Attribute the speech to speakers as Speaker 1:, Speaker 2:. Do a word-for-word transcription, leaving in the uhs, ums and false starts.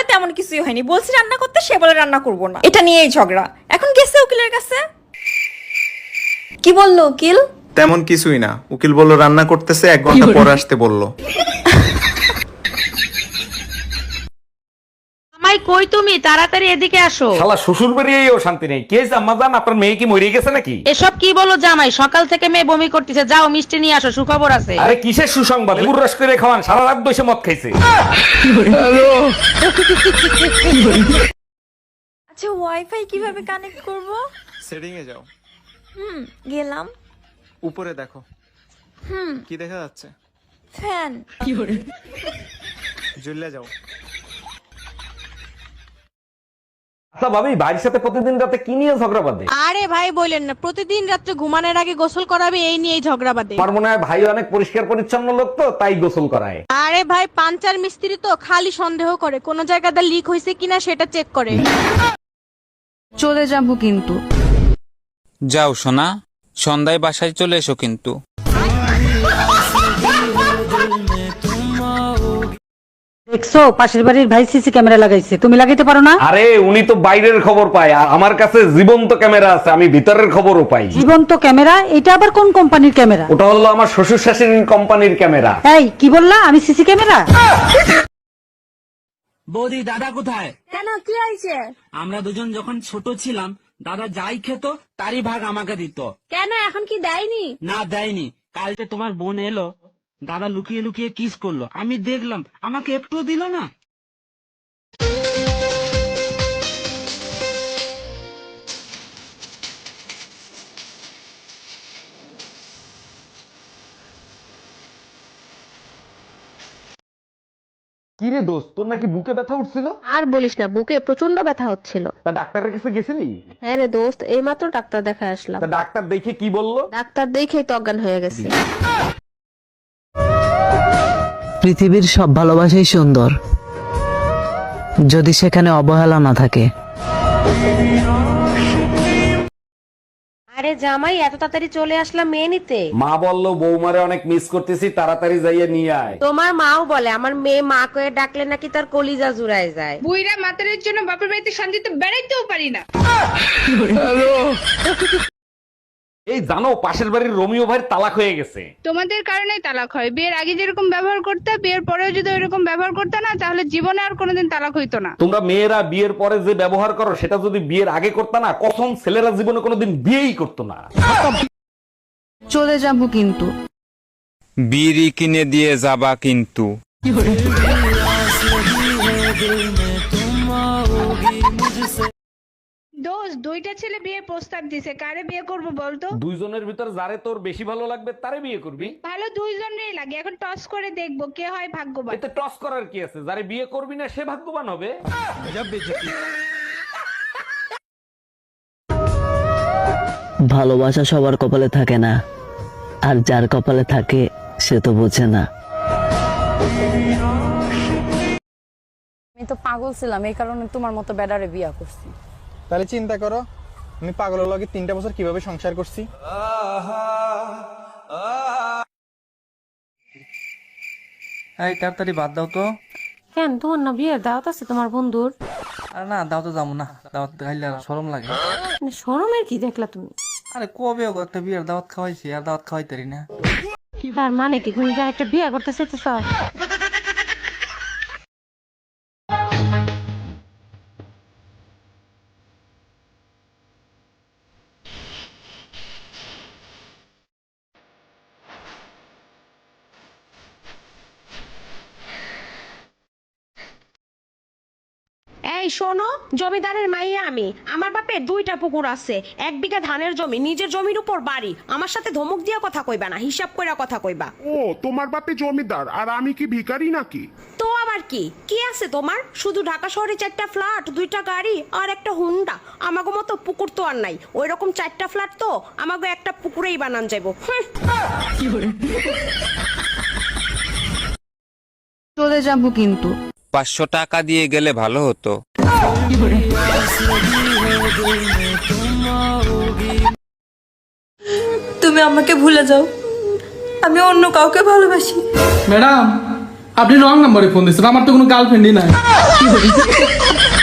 Speaker 1: তেমন কিছুই হয়নি, বলছি রান্না করতে, সে বলে রান্না করবো না। এটা নিয়েই ঝগড়া। এখন গেছে উকিলের কাছে। কি বললো উকিল?
Speaker 2: তেমন কিছুই না, উকিল বললো রান্না করতেছে, এক ঘন্টা পরে আসতে বললো।
Speaker 3: আমায় কই তুমি, তাড়াতাড়ি এদিকে আসো।
Speaker 4: শালা শ্বশুর বাড়িয়েও শান্তি নেই। কে আম্মাজান, আপনার মেয়ে কি মরে গেছে নাকি?
Speaker 3: এসব কি বলো জামাই, সকাল থেকে মেয়ে বমি করতেছে, যাও মিষ্টি নিয়ে আসো, সুখবর আছে।
Speaker 4: আরে কিসের সুসংবাদ? লেবুর রস করে খাওয়ান, সারা রাত বসে মদ খাইছে।
Speaker 1: আচ্ছা ওয়াইফাই কিভাবে কানেক্ট করব?
Speaker 2: সেটিং এ যাও।
Speaker 1: হুম গেলাম।
Speaker 2: উপরে দেখো।
Speaker 1: হুম
Speaker 2: কি দেখা যাচ্ছে?
Speaker 1: ফ্যান।
Speaker 2: জ্বলে যাও।
Speaker 4: আচ্ছা ভাবি, ভাইয়ের সাথে প্রতিদিন রাতে কি নিয়ে ঝগড়া বাঁধে?
Speaker 5: আরে ভাই বলেন না, প্রতিদিন রাত্রে ঘুমানোর আগে গোসল করাবে, এই নিয়েই ঝগড়া বাঁধে।
Speaker 4: আমার মনে হয় ভাই অনেক পরিষ্কার পরিচ্ছন্ন লোক, তো তাই গোসল করায়।
Speaker 5: আরে ভাই পাঞ্চার মিস্ত্রি তো খালি সন্দেহ করে কোন জায়গাটা লিক হয়েছে কিনা সেটা চেক করে।
Speaker 3: চলে যাবো কিন্তু।
Speaker 6: যাও সোনা, সন্ধ্যায় বাসায় চলে এসো কিন্তু।
Speaker 7: দেখছো পাশের বাড়ির ভাই সিসি ক্যামেরা লাগাইছে, তুমি লাগাইতে পারো না?
Speaker 4: আরে উনি তো বাইরের খবর পায়, আর আমার কাছে জীবন্ত ক্যামেরা আছে, আমি ভিতরের খবরও পাই।
Speaker 7: জীবন্ত ক্যামেরা? এটা আবার কোন কোম্পানির ক্যামেরা?
Speaker 4: ওটা হলো আমার শ্বশুর শাশুড়ির কোম্পানির ক্যামেরা।
Speaker 7: এই কি বললা? আমি সিসি ক্যামেরা?
Speaker 8: বৌদি, দাদা কোথায়?
Speaker 5: কেন কি হয়েছে?
Speaker 8: আমরা দুজন যখন ছোট ছিলাম, দাদা যাই খেত তারই ভাগ আমাকে দিত।
Speaker 5: কেন এখন কি দেয়নি?
Speaker 8: না দেয়নি। কালকে তোমার বোন এলো, দাদা লুকিয়ে লুকিয়ে কিস করলো, আমি দেখলাম, আমাকে একটু দিল না।
Speaker 4: কি রে দোস্ত, তোর নাকি বুকে ব্যথা উঠছিল?
Speaker 5: আর বলিস না, বুকে প্রচন্ড ব্যথা হচ্ছিল।
Speaker 4: তা ডাক্তারের কাছে গেছিলি?
Speaker 5: হ্যাঁ রে দোস্ত, এইমাত্র ডাক্তার দেখায় আসলাম।
Speaker 4: তা ডাক্তার দেখে কি বললো?
Speaker 5: ডাক্তার দেখেই তো অজ্ঞান হয়ে গেছে।
Speaker 9: পৃথিবীর সব ভালোবাসাই সুন্দর, যদি সেখানে অবহেলা না থাকে।
Speaker 5: আরে জামাই, এত তাড়াতাড়ি চলে আসলাম মেয়ে নিতে?
Speaker 4: মা বললো বৌমারে অনেক মিস করতেছি, তাড়াতাড়ি যাইয়ে নিয়ে আয়।
Speaker 5: তোমার মাও বলে আমার মেয়ে মা কয়ে ডাকলে নাকি তার কলিজা জুড়ায় যায়।
Speaker 3: বুইরা মাতারের জন্য বাপের বাড়িতে শান্তিতে বেড়াইতেও পারি না।
Speaker 4: এই জানো, পাশের বাড়ির রোমিও ভাইয়ের তালাক হয়ে গেছে।
Speaker 3: তোমাদের কারণেই তালাক হয়। বিয়ের আগে যেরকম ব্যবহার করতে, বিয়ের পরেও যদি ওইরকম ব্যবহার করতে না, তাহলে জীবনে আর কোনোদিন তালাক হইতো না।
Speaker 4: তোমরা মেয়েরা বিয়ের পরে যে ব্যবহার করো, সেটা যদি বিয়ের আগে করতে না, কখন ছেলেরা জীবনে কোনোদিন বিয়েই করতো না।
Speaker 3: চলে যাবো কিন্তু।
Speaker 6: বিড়ি কিনে দিয়ে যাবা কিন্তু।
Speaker 3: দোস্ত, দুইটা ছেলে বিয়ে প্রস্তাব দিছে, কারে বিয়ে করবো বলতো?
Speaker 4: দুইজনের ভিতর যারে তোর বেশি ভালো লাগবে তারে বিয়ে করবি।
Speaker 3: ভালো দুইজনেরই লাগে, এখন টস করে দেখবো কে হয় ভাগ্যবান।
Speaker 4: এতে টস করার কি আছে? যারে বিয়ে করবি না সে ভাগ্যবান হবে।
Speaker 9: ভালোবাসা সবার কপালে থাকে না, আর যার কপালে থাকে সে তো বোঝে না।
Speaker 10: আমি তো পাগল ছিলাম, এই কারণে তোমার মতো বেডারে বিয়া করছি।
Speaker 2: তাহলে চিন্তা করো, আমি পাগলের লগে তিনটা বছর কিভাবে সংসার করছি।
Speaker 8: এই তাড়াতাড়ি বাদ দাও তো।
Speaker 5: কেন, তোমার না বিয়ের দাওয়াত আছে তোমার বন্ধুর?
Speaker 8: আরে না, দাও তো যাবো না, দাওয়াত খাইলে শরম লাগে।
Speaker 5: শরমের কি দেখলা তুমি?
Speaker 8: আরে কবে একটা বিয়ের দাওয়াত খাওয়াইছি, আর দাওয়াত খাওয়াইতারি না।
Speaker 5: তার মানে কি তুমি একটা বিয়ে করতে চাইতেছ? এই শোনো, জমিদারের মাইয়া আমি। আমার বাপের দুইটা পুকুর আছে, এক বিঘা ধানের জমি, নিজের জমির উপর বাড়ি। আমার সাথে ধমক দিয়া কথা কইবা না, হিসাব কইরা কথা কইবা।
Speaker 11: ও, তোমার বাপে জমিদার আর আমি কি ভিখারি নাকি?
Speaker 5: তো আবার কি কি আছে তোমার? শুধু ঢাকা শহরে চারটা ফ্ল্যাট, দুইটা গাড়ি আর একটা হুন্ডা। আমাগো মতো পুকুর তো আর নাই। ওই রকম চারটা ফ্ল্যাট তো আমাগো একটা পুকুরেই বানান যাইবো।
Speaker 3: চলে যাবো কিন্তু।
Speaker 6: পাঁচশো টাকা দিয়ে গেলে ভালো হতো।
Speaker 1: তুমি আমাকে ভুলে যাও, আমি অন্য কাউকে ভালোবাসি।
Speaker 8: ম্যাডাম, আপনি রং নাম্বারে ফোন দিচ্ছেন, আমার তো কোনো গার্লফ্রেন্ডই নাই।